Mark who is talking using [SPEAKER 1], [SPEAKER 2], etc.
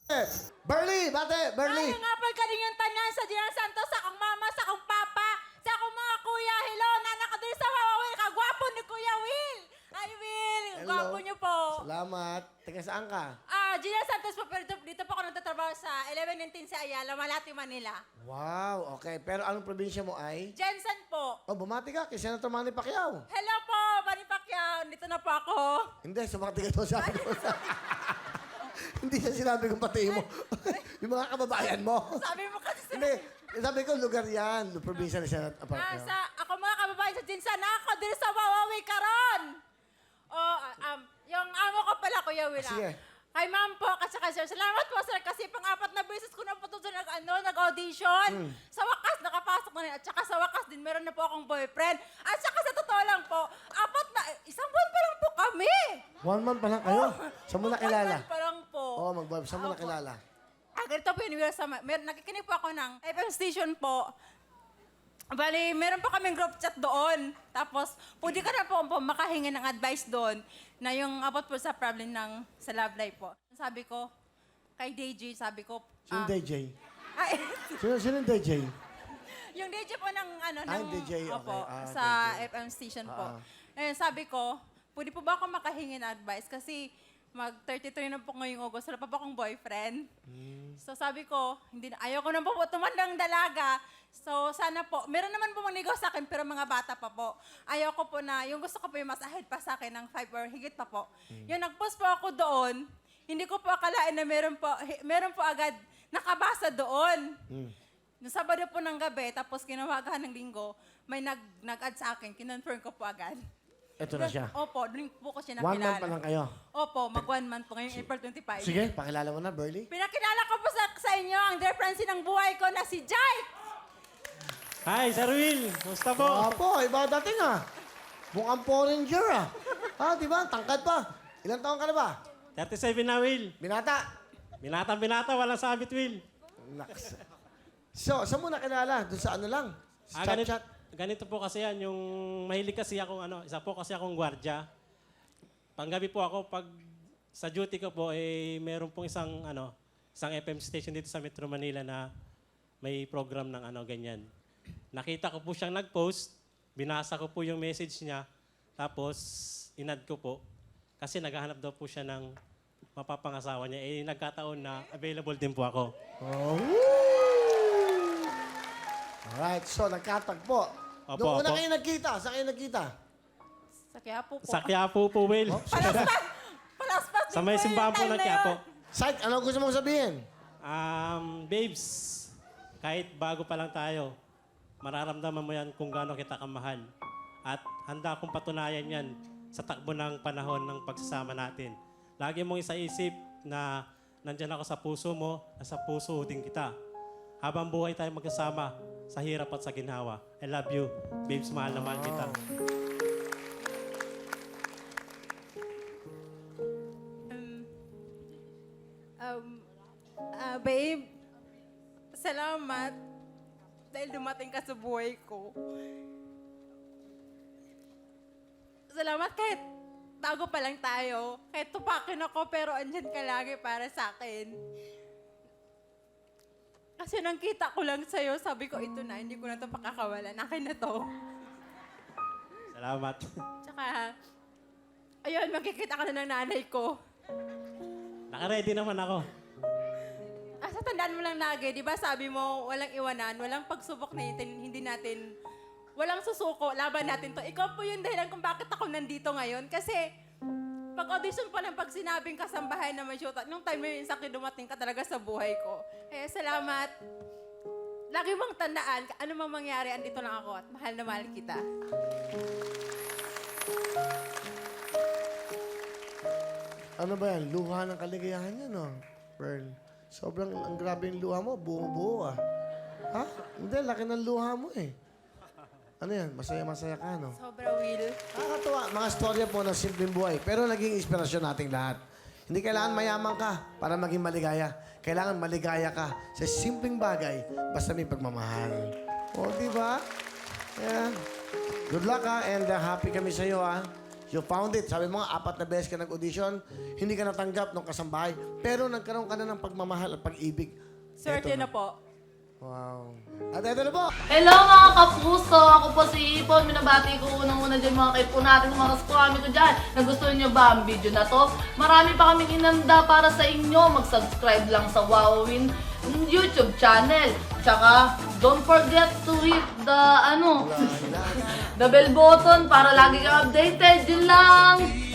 [SPEAKER 1] Burley, bate, Burley.
[SPEAKER 2] Ay, nga po kaninyong tanan sa General Santos, sa akong mama, sa akong papa, sa akong mga kuya. Hello, nanak ko din sa Wawa. Kagwapo ni Kuya Will. Ay, Will, gwapo niyo po.
[SPEAKER 1] Salamat. Taga saan ka?
[SPEAKER 2] General Santos po, pero dito po ako nagtatrabaho sa 1119 sa Ayala, Malati, Manila.
[SPEAKER 1] Wow, okay. Pero anong probinsya mo ay?
[SPEAKER 2] Jensen po.
[SPEAKER 1] Oh, bumati ka kay Senator Manny Pacquiao.
[SPEAKER 2] Hello po, Manny Pacquiao. Dito na po ako.
[SPEAKER 1] Hindi, sumati ka doon, sabi ko. Hindi siya sinabi kong pati mo. Yung mga kababayan mo.
[SPEAKER 2] Sabi mo kasi
[SPEAKER 1] Hindi, sabi ko lugar yan. Probinsya ni Senator Pacquiao.
[SPEAKER 2] ako mga kababayan sa Jensen, ako din sa Wawawi karon. Yung amo ko pala, Kuya Will.
[SPEAKER 1] Sige.
[SPEAKER 2] Kay ma'am po, kasi sir, salamat po sir, kasi pang-apat na beses ko na po ito nag-audition. Sa wakas, nakapasok na rin. At saka sa wakas din, meron na po akong boyfriend. At saka sa totoo lang po, isang buwan pa lang po kami.
[SPEAKER 1] 1 month pa lang kayo? Saan mo nakilala?
[SPEAKER 2] 1 month pa lang po.
[SPEAKER 1] Oo, saan mo nakilala?
[SPEAKER 2] Ganito po yun, nakikinig po ako ng FM station po. Bali, meron po kaming group chat doon. Tapos, pwede ka na po makahingi ng advice doon na yung about po sa problem sa love life po. Sabi ko, kay DJ, sabi ko...
[SPEAKER 1] Sino DJ?
[SPEAKER 2] Ay,
[SPEAKER 1] Sino DJ?
[SPEAKER 2] yung DJ po ng
[SPEAKER 1] yung DJ, okay.
[SPEAKER 2] Opo, sa
[SPEAKER 1] DJ.
[SPEAKER 2] FM station po. Sabi ko, pwede po ba ako makahingi ng advice? Kasi mag-33 na po ngayong August, wala pa po akong boyfriend. So sabi ko, ayaw ko na po tumandang dalaga. So sana po, meron naman po manligaw sa akin, pero mga bata pa po. Ayaw ko po yung gusto ko po yung mas ahead pa sa akin ng 5 or higit pa po. Yung nag-post po ako doon, hindi ko po akalain na meron po agad nakabasa doon. Noong Sabado po ng gabi, tapos kinawagan ng Linggo, may nag-add sa akin, kinonfirm ko po agad.
[SPEAKER 1] Ito na siya.
[SPEAKER 2] Opo, doon po ko siya
[SPEAKER 1] 1
[SPEAKER 2] nakilala.
[SPEAKER 1] month pa lang kayo.
[SPEAKER 2] Opo, mag 1 month po ngayong April 25.
[SPEAKER 1] Sige, pakilala mo na, Burley.
[SPEAKER 2] Pinakilala ko po sa inyo ang dear friend ng buhay ko na si Jai.
[SPEAKER 3] Hi, Sir Will. Kumusta po?
[SPEAKER 1] Opo, iba dating ah. Mukhang foreign ah. Di ba? Tangkad pa. Ilang taon ka na ba?
[SPEAKER 3] 37 na, Will.
[SPEAKER 1] Binata.
[SPEAKER 3] Binata, walang sabit, Will.
[SPEAKER 1] Naks. So, saan mo nakilala? Doon sa ano lang? Sa chat.
[SPEAKER 3] Ganito po kasi yan, yung mahilig kasi akong isa po kasi akong gwardya. Panggabi po ako, pag sa duty ko po, meron pong isang FM station dito sa Metro Manila na may program ng ganyan. Nakita ko po siyang nag-post, binasa ko po yung message niya, tapos inad ko po. Kasi naghahanap daw po siya ng mapapangasawa niya. Nagkataon na available din po ako.
[SPEAKER 1] Oh. Alright, so nagkatagpo.
[SPEAKER 3] Opo,
[SPEAKER 1] Noong una
[SPEAKER 3] opo.
[SPEAKER 1] kayo nagkita, saan kayo nagkita?
[SPEAKER 2] Sa Quiapo po.
[SPEAKER 3] Sa Quiapo po, Will.
[SPEAKER 2] Palaspas din
[SPEAKER 3] Sa may
[SPEAKER 2] po yung
[SPEAKER 3] simbahan po
[SPEAKER 2] time
[SPEAKER 3] ng
[SPEAKER 2] na
[SPEAKER 3] Quiapo.
[SPEAKER 2] yun.
[SPEAKER 1] Site, ano gusto mong sabihin?
[SPEAKER 3] Babes, kahit bago pa lang tayo, mararamdaman mo yan kung gaano kita kamahal. At handa akong patunayan yan sa takbo ng panahon ng pagsasama natin. Lagi mong isaisip na nandyan ako sa puso mo, nasa puso din kita. Habang buhay tayo magkasama sa hirap at sa ginhawa. I love you, babes, mahal na mahal kita.
[SPEAKER 2] Babe, salamat dahil dumating ka sa buhay ko. Salamat kahit bago pa lang tayo. Kahit tupakin ako, pero andyan ka lagi para sa akin. Kasi nang kita ko lang sa'yo, sabi ko, ito na, hindi ko na ito pakakawalan. Akin na to.
[SPEAKER 3] Salamat.
[SPEAKER 2] Tsaka, ayun, magkikita ka na ng nanay ko.
[SPEAKER 3] Nakaready naman ako.
[SPEAKER 2] Sa tandaan mo lang lagi, di ba sabi mo, walang iwanan, walang pagsubok na hindi natin, walang susuko, laban natin to. Ikaw po yung dahilan kung bakit ako nandito ngayon. Kasi, pag audition pa lang, pag sinabing kasambahay na may shoot, nung time na yun, sakit dumating ka talaga sa buhay ko. Kaya salamat. Lagi mong tandaan, ano mang mangyari, andito lang ako at mahal na mahal kita.
[SPEAKER 1] Ano ba yan? Luha ng kaligayahan yan, no? Pearl. Sobrang ang grabe yung luha mo. Buo-buo, ah. Ha? Hindi, laki ng luha mo, eh. Ano yan? Masaya-masaya ka, no?
[SPEAKER 2] Sobra, Will.
[SPEAKER 1] Nakakatuwa. Mga storya po ng simpleng buhay. Pero naging inspirasyon nating lahat. Hindi kailangan mayaman ka para maging maligaya. Kailangan maligaya ka sa simpleng bagay basta may pagmamahal. O, di ba? Ayan. Good luck, ha? And happy kami sa'yo, ha? You found it. Sabi mo nga, 4 na beses ka nag-audition, hindi ka natanggap ng kasambahay, pero nagkaroon ka na ng pagmamahal at pag-ibig.
[SPEAKER 2] Swerte
[SPEAKER 1] Eto
[SPEAKER 2] na po.
[SPEAKER 1] Wow. At ito na po.
[SPEAKER 4] Hello mga kapuso! Ako po si Ipon. Minabati ko unang-una dyan mga kaipo natin, mga kaskwami ko dyan. Nagustuhan nyo ba ang video na to? Marami pa kaming inanda para sa inyo. Mag-subscribe lang sa Wowin YouTube channel. Tsaka, don't forget to hit the, the bell button para lagi kang updated. Yun lang!